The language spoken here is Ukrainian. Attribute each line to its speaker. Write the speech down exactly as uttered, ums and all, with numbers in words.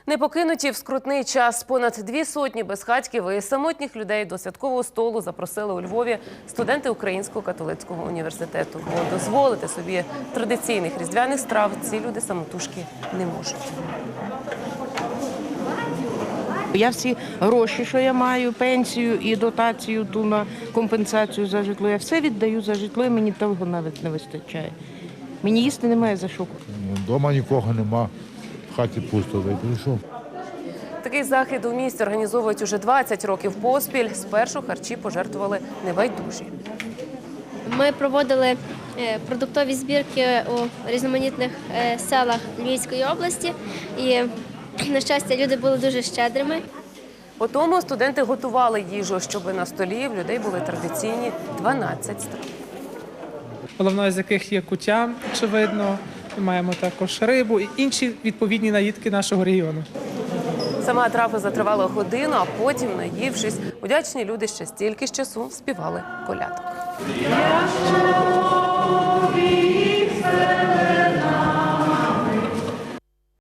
Speaker 1: Не покинуті в скрутний час. Понад дві сотні безхатьків і самотніх людей до святкового столу запросили у Львові студенти Українського католицького університету. Бо дозволити собі традиційних різдвяних страв ці люди самотужки не можуть.
Speaker 2: Я всі гроші, що я маю, пенсію і дотацію ту на компенсацію за житло, я все віддаю за житло, і мені того навіть не вистачає. Мені їсти немає за що.
Speaker 3: Вдома нікого нема, в хаті пусто, прийшов.
Speaker 1: Такий захід у місті організовують уже двадцять років поспіль. Спершу харчі пожертвували небайдужі.
Speaker 4: Ми проводили продуктові збірки у різноманітних селах Львівської області. І, на щастя, люди були дуже щедрими.
Speaker 1: По тому студенти готували їжу, щоб на столі в людей були традиційні дванадцять страв.
Speaker 5: Головною з яких є куття, очевидно. Ми маємо також рибу і інші відповідні наїдки нашого регіону.
Speaker 1: Сама трапеза тривала годину, а потім, наївшись, удячні люди ще стільки ж часу співали колядок.